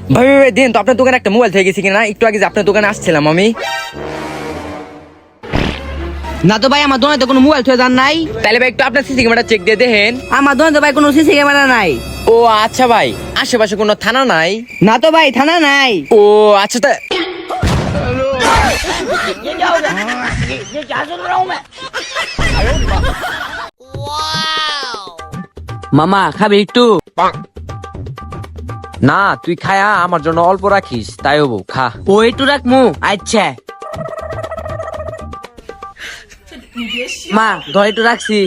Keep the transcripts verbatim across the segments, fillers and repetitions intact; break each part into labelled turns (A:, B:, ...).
A: ভাই ভাই দেন তো, আপনার দোকানে একটা মোবাইল থেকে গেছি কিনা, একটু আগে যে আপনার দোকানে আসছিলাম আমি।
B: না তো ভাই, আমার দোকানে তো কোনো মোবাইল থেকে যান নাই।
A: তাহলে ভাই একটু আপনার সিসি ক্যামেরা চেক দিয়ে দেখেন।
B: আমার দোকানে তো ভাই কোনো সিসি ক্যামেরা নাই।
A: ও আচ্ছা ভাই, আশেপাশে কোনো থানা নাই?
B: না তো ভাই, থানা নাই।
A: ও আচ্ছা তা
B: মামা খাবি একটু?
A: না, তুই খায়া আমার জন্য অল্প রাখিস, তাই হবো, খা।
B: ও একটু রাখমু। আচ্ছা মা, ধর একটু রাখছি।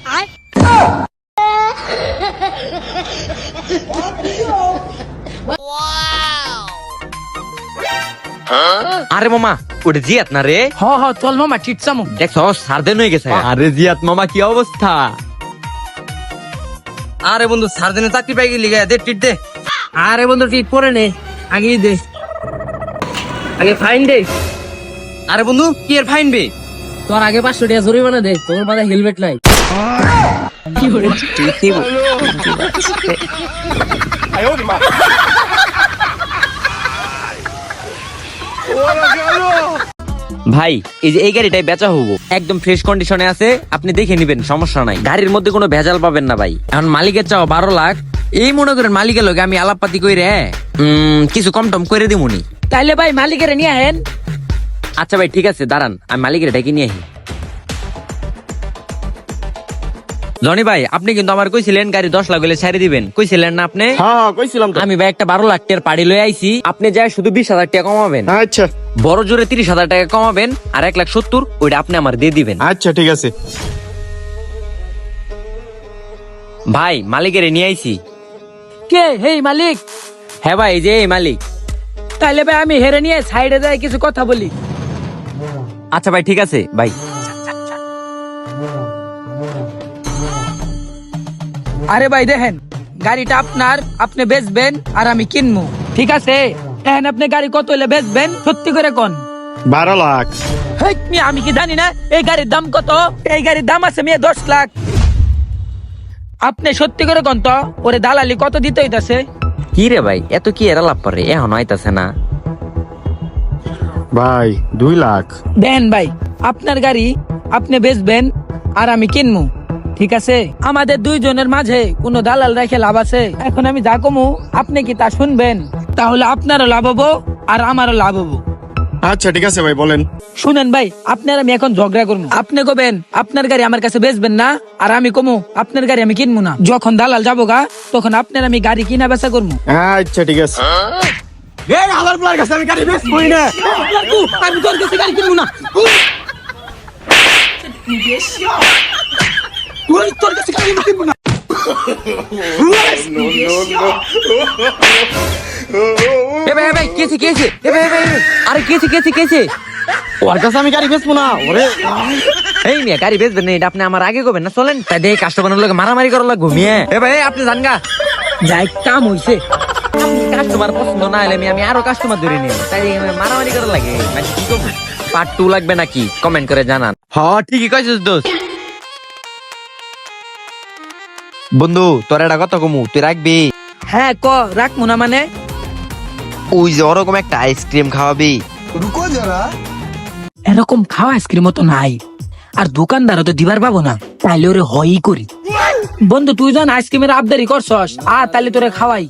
A: আরে মামা, ওটা জিয়াত না রে?
B: হ হ চল মামা, ঠিক চামু।
A: দেখছো সারদেন হয়ে গেছে। আরে জিয়াত মামা, কি অবস্থা? আরে বন্ধু, সারদেনে চাকরি পাই গেলি, দে টিট দে।
B: আরে বন্ধু ঠিক করে নে, আগে দে, আগে ফাইন দে।
A: আরে বন্ধু, কি এর ফাইন বে?
B: তোর আগে পাঁচশো টাকা জরিমানা দে, তোর মাথায় হেলমেট নাই। কি করে
A: ভাই, এই যে এই গাড়িটাই বেচা হবো, একদম ফ্রেশ কন্ডিশনে আছে, আপনি দেখে নিবেন, সমস্যা নাই। গাড়ির মধ্যে কোনো ভেজাল পাবেন না ভাই। এখন মালিকের চাও বারো লাখ, এই মনে করেন মালিকের লোক আমি আলাপপাতি কইরে উম কিছু কম টম করে দিমুনি।
B: তাইলে ভাই মালিকের নিয়ে আহেন।
A: আচ্ছা ভাই ঠিক আছে, দাঁড়ান আমি মালিকের ডেকে নিয়ে আহি। জনি ভাই, আপনি কিন্তু আমার কইছিলেন গাড়ি দশ লাখ হলে ছেড়ে দিবেন, কইছিলেন না আপনি?
C: হ্যাঁ কইছিলাম তো।
A: আমি ভাই একটা বারো লাখ টাকার পাড়ি লয়ে আইছি, আপনি যাই শুধু বিশ হাজার টাকা কমাবেন।
C: আচ্ছা
A: বড় জোরে তিরিশ হাজার টাকা কমাবেন, আর এক লাখ সত্তর ওইটা আপনি আমার দিয়ে দিবেন।
C: আচ্ছা ঠিক আছে।
A: ভাই মালিকের নিয়ে আইছি।
B: কে হেই মালিক?
A: হ্যাঁ ভাই, এই যে এই মালিক।
B: তাইলে ভাই আমি হেরে নিয়ে সাইডে যাই কিছু কথা বলি।
A: আচ্ছা ভাই ঠিক আছে ভাই।
B: আরে ভাই দেখেন, গাড়িটা আপনার, আপনি বেচবেন আর আমি কিনবো, ঠিক আছে? এখন আপনি গাড়ি কত হলে বেচবেন, সত্যি করে কোন?
C: বারো লাখ।
B: হেই, মিয়া, আমি কি জানি না এই গাড়ির দাম কত? এই গাড়ির দাম আছে মেয়ে দশ লাখ। আপনি সত্যি করে কোন তো, ওরে দালালি কত দিতে হইতাছে?
A: কি রে ভাই, এত কি এরা লাভ করে, এখন আইতাছে না।
C: ভাই দুই লাখ।
B: দেন ভাই, আপনার গাড়ি আপনি বেচবেন আর আমি কিনবো, ঠিক আছে? আমাদের দুইজনের মাঝে কোনো দালাল রেখে লাভ আছে? এখন আমি যা কমু আপনি কি তা শুনবেন? তাহলে আপনারও লাভ হবো আর আমারও লাভ হবো।
C: আচ্ছা ঠিক আছে ভাই, বলেন।
B: শুনেন ভাই, আপনার আমি এখন ঝগড়া করবো। আপনি কবেন আপনার গাড়ি আমার কাছে বেচবেন না, আর আমি কমু আপনার গাড়ি আমি কিনবো না। যখন দালাল যাবো গা, তখন আপনার আমি গাড়ি কিনা বেচা করবো।
C: আচ্ছা ঠিক আছে। এই হালার প্লার কাছে আমি গাড়ি বেচবই না।
B: আমি তোর কাছে গাড়ি কিনবো না। তুই তোর কাছে গাড়ি কিনবো না।
A: এ ভাই, এ ভাই, কেছে কেছে, এ ভাই, এ ভাই, এ ভাই, আরে কেছে কেছে কেছে।
C: ওর কাছে আমি গাড়ি বেচবো না। ওরে
A: এই মিয়া, গাড়ি বেচবেন না, এটা আপনি আমার আগে করবেন না, চলেন। তাই দেখে কাস্টমারের লোক মারামারি করার লাগবো মিয়া। এ ভাই, আপনি জান গা,
B: যাই কাম হইছে।
A: কাস্টমার পছন্দ না হলে আমি আরো কাস্টমার ধরে নিই, তাই মারামারি করার লাগে। মানে কি করবো, পার্ট টু লাগবে নাকি কমেন্ট করে জানান। হ্যাঁ ঠিকই কইছিস দোস্ত। বন্ধু, তোর এটা কত কমু, তুই রাখবি?
B: হ্যাঁ ক, রাখবো না মানে?
A: ওই যে ওরকম একটা আইসক্রিম খাওয়াবি।
B: এরকম খাওয়া আইসক্রিম তো নাই, আর দোকানদারও তো দিবার পাবো না, তাইলে ওরে হয়ই করি। বন্ধু তুই জান আইসক্রিমের আবদারি করছস, আ তাইলে তোরে খাওয়াই।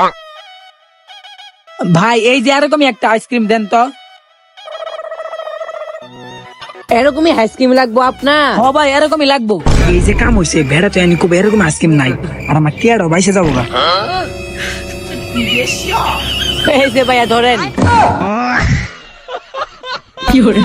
B: ভাই এই যে এরকমই একটা আইসক্রিম দেন তো। এরকমই আইসক্রিম লাগবো আপনার? হ ভাই, এরকমই লাগবো। এই যে কাম হইছে, ভেড়া তো এনি খুব এরকম আইসক্রিম নাই, আর আমার টিয়ারও বাইসে যাবো গা। এই যে ভাইয়া ধরেন। কি করে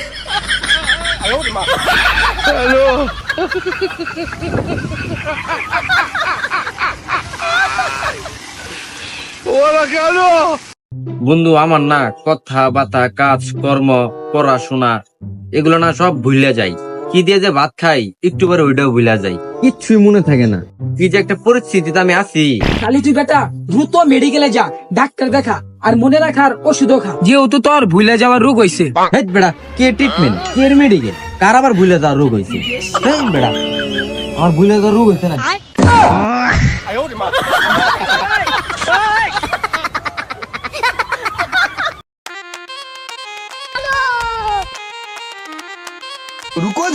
A: বন্ধু, আমার না কথা বার্তা, কাজ কর্ম, পড়াশোনা এগুলো না সব ভুলে যাই। কি দিয়ে যে ভাত খাই একটু পরে ওইটাও ভুলে যাই, কিচ্ছুই মনে থাকে না। কি যে একটা পরিস্থিতিতে আমি আছি।
B: খালি তুই বেটা দ্রুত মেডিকেলে যা, ডাক্তার দেখা, আর মনে রাখার ওষুধও খা, যেহেতু তোর ভুলে যাওয়ার রোগ হইছে।
A: হেট বেড়া, কে ট্রিটমেন্ট, কে মেডিকেল, কার আবার ভুলে যাওয়ার রোগ হয়েছে? বেড়া, আমার ভুলে যাওয়ার রোগ হয়েছে না।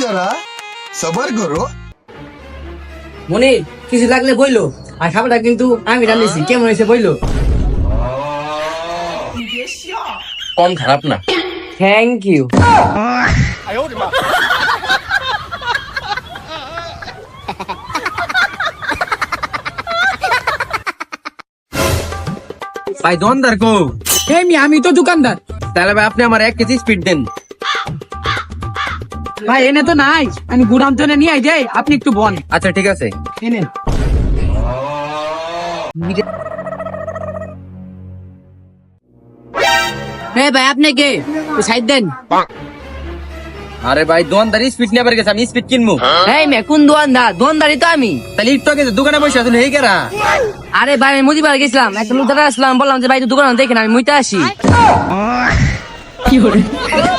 D: जरा सबर करो।
E: মনে কিছু লাগলে বইলো, আর খাবারটা কিন্তু আমি রান্নেছি, কেমন হয়েছে বইলো।
A: কম খারাপ না।
E: Thank you.
A: ভাই দোকানদার কো?
B: এই মি, আমি তো দোকানদার।
A: তাহলে ভাই আপনি আমার এক কেজি স্পিড দেন।
B: ভাই এনে তো নাই, আমি গুড়াম তো নিয়ে আই যাই, আপনি একটু বন।
A: আচ্ছা ঠিক আছে।
B: এনেন।
E: হ্যাঁ ভাই, আপনি কে? সাইড দেন।
A: আরে ভাই দোকানদার স্পিড নেবার গেছে, আমি স্পিড কিনবো।
E: এই মে, কোন দোকানদার? দোকানদারই তো আমি।
A: তাহলে একটু আগে দোকানে বসে আসলে এই কেরা?
E: আরে ভাই, আমি মুদিবার গেছিলাম, একটা লোক দাঁড়া আসলাম, বললাম যে ভাই একটু দোকানে দেখেন, আমি মুইতে আসি।
B: কি হলো?